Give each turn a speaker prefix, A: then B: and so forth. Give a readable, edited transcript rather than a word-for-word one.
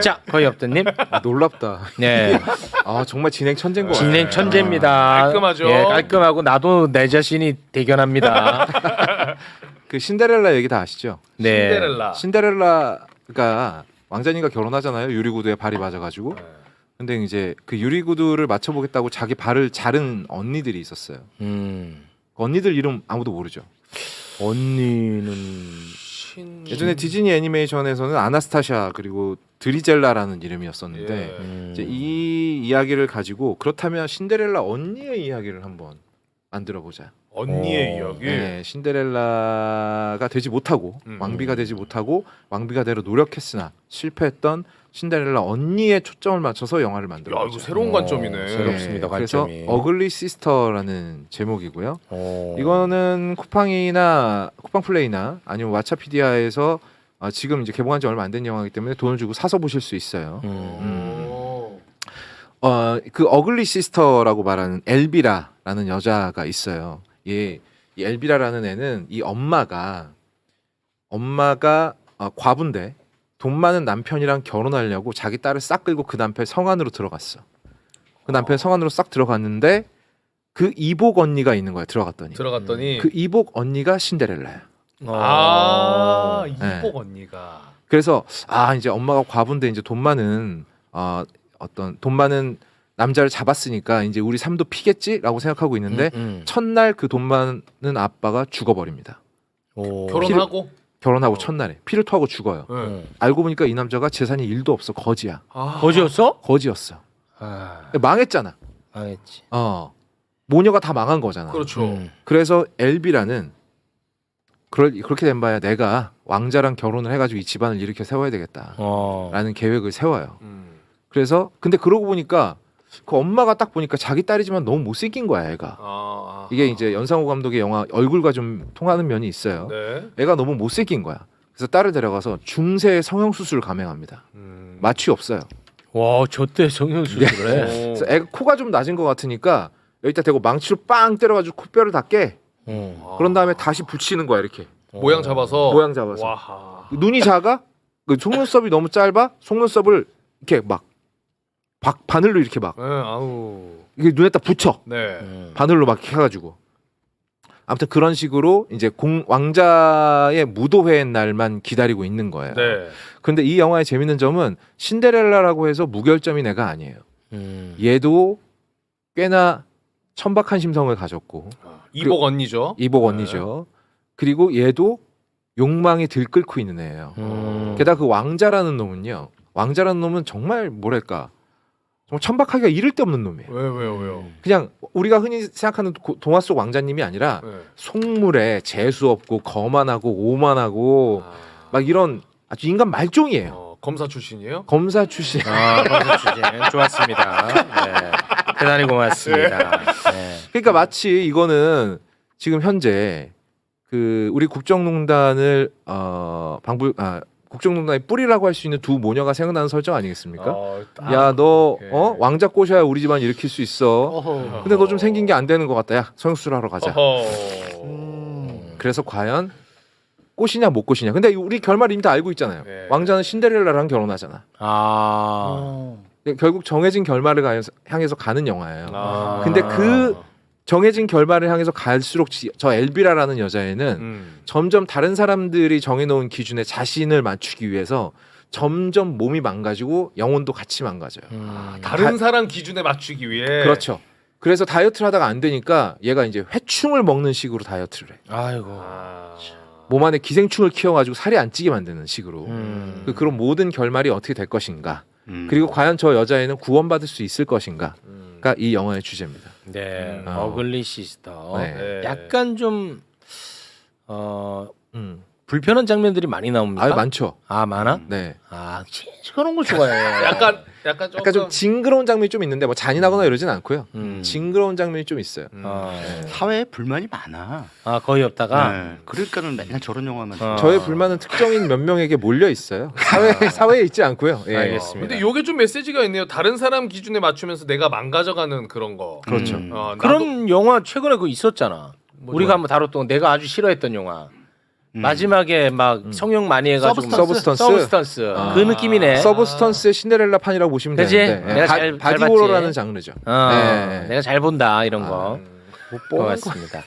A: 자, 거의 없던님.
B: 놀랍다.
A: 네,
B: 아 정말 진행 천재인 거 같아요.
A: 진행 천재입니다.
C: 깔끔하죠.
A: 예, 깔끔하고 나도 내 자신이 대견합니다.
B: 그 신데렐라 얘기 다 아시죠?
A: 네.
C: 신데렐라.
B: 신데렐라가 왕자님과 결혼하잖아요. 유리구두에 발이 맞아가지고. 근데 이제 그 유리구두를 맞춰보겠다고 자기 발을 자른 언니들이 있었어요. 그 언니들 이름 아무도 모르죠.
A: 언니는
B: 예전에 디즈니 애니메이션에서는 아나스타샤 그리고 드리젤라라는 이름이었었는데
C: 예.
B: 이제 이 이야기를 가지고 그렇다면 신데렐라 언니의 이야기를 한번 만들어 보자.
C: 언니의 이야기.
B: 네, 신데렐라가 되지 못하고 왕비가 되지 못하고 왕비가 되려 노력했으나 실패했던 신데렐라 언니의 초점을 맞춰서 영화를 만들어
C: 야,
B: 보자.
C: 이거 새로운 관점이네.
A: 새롭습니다.
B: 그래서
A: 관점이.
B: 어글리 시스터라는 제목이고요.
A: 어.
B: 이거는 쿠팡플레이나 아니면 왓챠피디아에서 지금 이제 개봉한 지 얼마 안 된 영화이기 때문에 돈을 주고 사서 보실 수 있어요. 그 어글리 시스터라고 말하는 엘비라라는 여자가 있어요. 이 엘비라라는 애는 이 엄마가 과부인데 돈 많은 남편이랑 결혼하려고 자기 딸을 싹 끌고 그 남편 성 안으로 들어갔어. 그 남편 성 안으로 싹 들어갔는데 그 이복 언니가 있는 거야. 들어갔더니
C: 들어갔더니
B: 그 이복 언니가 신데렐라야.
C: 아
B: 네.
C: 이복 언니가
B: 그래서 이제 엄마가 과부인데 이제 돈 많은 돈 많은 남자를 잡았으니까 이제 우리 삶도 피겠지라고 생각하고 있는데 첫날 그 돈 많은 아빠가 죽어버립니다. 결혼하고 첫날에 피를 토하고 죽어요.
C: 네.
B: 알고 보니까 이 남자가 재산이 1도 없어. 거지야.
A: 거지였어?
B: 거지였어.
A: 아,
B: 망했잖아.
A: 망했지.
B: 모녀가 다 망한 거잖아.
C: 그렇죠.
B: 그래서 엘비라는 그렇게 된 바야 내가 왕자랑 결혼을 해가지고 이 집안을 일으켜 세워야 되겠다라는 계획을 세워요. 그래서 근데 그러고 보니까 그 엄마가 딱 보니까 자기 딸이지만 너무 못생긴 거야 애가. 이게 이제 연상호 감독의 영화 얼굴과 좀 통하는 면이 있어요.
C: 네.
B: 애가 너무 못생긴 거야. 그래서 딸을 데려가서 중세 성형 수술을 감행합니다. 마취 없어요.
A: 와, 저때 성형수술을 해.
B: 그래서 애가 코가 좀 낮은 것 같으니까 여기다 대고 망치로 빵 때려가지고 코뼈를 다 깨. 그런 다음에 다시 붙이는 거야 이렇게.
C: 모양 잡아서.
B: 모양 잡아서.
C: 와하.
B: 눈이 작아? 그 속눈썹이 너무 짧아? 속눈썹을 이렇게 막 바늘로 이렇게 막
C: 네, 아우.
B: 이게 눈에다 붙여.
C: 네.
B: 바늘로 막 해가지고. 아무튼 그런 식으로 이제 왕자의 무도회 날만 기다리고 있는 거예요.
C: 네.
B: 근데 이 영화의 재밌는 점은 신데렐라라고 해서 무결점인 애가 아니에요. 얘도 꽤나 천박한 심성을 가졌고
C: 이복 언니죠.
B: 이복 언니죠. 그리고 얘도 욕망이 들끓고 있는 애예요. 게다가 그 왕자라는 놈은 정말 뭐랄까 정말 천박하기가 이를 데 없는 놈이에요.
C: 왜요?
B: 그냥 우리가 흔히 생각하는 동화 속 왕자님이 아니라
C: 네.
B: 속물에 재수 없고 거만하고 오만하고 막 이런 아주 인간 말종이에요.
C: 검사 출신이에요?
B: 검사 출신.
A: 검사 출신 좋았습니다. 네. 대단히 고맙습니다. 네.
B: 그러니까 마치 이거는 지금 현재 그 우리 국정농단을 국정농단의 뿌리라고 할 수 있는 두 모녀가 생각나는 설정 아니겠습니까? 야 너 왕자 꼬셔야 우리 집안 일으킬 수 있어. 근데 너 좀 생긴 게 안 되는 것 같다. 야 성형수술 하러 가자. 그래서 과연 꼬시냐 못 꼬시냐. 근데 우리 결말 이미 다 알고 있잖아요.
C: 네.
B: 왕자는 신데렐라랑 결혼하잖아. 결국 정해진 결말을 향해서 가는 영화예요. 근데 그 정해진 결말을 향해서 갈수록 저 엘비라라는 여자애는 점점 다른 사람들이 정해놓은 기준에 자신을 맞추기 위해서 점점 몸이 망가지고 영혼도 같이 망가져요.
C: 다른 사람 기준에 맞추기 위해.
B: 그렇죠. 그래서 다이어트를 하다가 안 되니까 얘가 이제 회충을 먹는 식으로 다이어트를 해.
A: 아이고.
B: 몸 안에 기생충을 키워가지고 살이 안 찌게 만드는 식으로. 그런 모든 결말이 어떻게 될 것인가. 그리고 과연 저 여자애는 구원받을 수 있을 것인가가 이 영화의 주제입니다.
A: 네. 어글리 시스터.
B: 네.
A: 약간 좀 불편한 장면들이 많이 나옵니까?
B: 많죠.
A: 많아?
B: 네.
A: 그런 거 좋아해.
C: 약간
B: 좀 징그러운 장면이 좀 있는데 뭐 잔인하거나 이러진 않고요. 징그러운 장면이 좀 있어요.
D: 사회에 불만이 많아.
A: 거의 없다가.
D: 네. 그러니까는 맨날 저런 영화만.
B: 저의 불만은 특정인 몇 명에게 몰려 있어요. 사회에 있지 않고요. 예.
A: 알겠습니다.
C: 근데 요게 좀 메시지가 있네요. 다른 사람 기준에 맞추면서 내가 망가져가는 그런 거.
B: 그렇죠.
A: 그런 영화 최근에 있었잖아. 우리가 한번 다뤘던 내가 아주 싫어했던 영화. 마지막에 막 성형 많이 해가지고
B: 서브스턴스?
A: 서브스턴스
B: 아.
A: 그 느낌이네.
B: 서브스턴스의 신데렐라 판이라고 보시면
A: 그치?
B: 되는데
A: 내가 잘
B: 바디
A: 봤지.
B: 호러라는 장르죠. 네.
A: 내가 잘 본다 이런 거.
B: 못 보는 거.
A: 고맙습니다.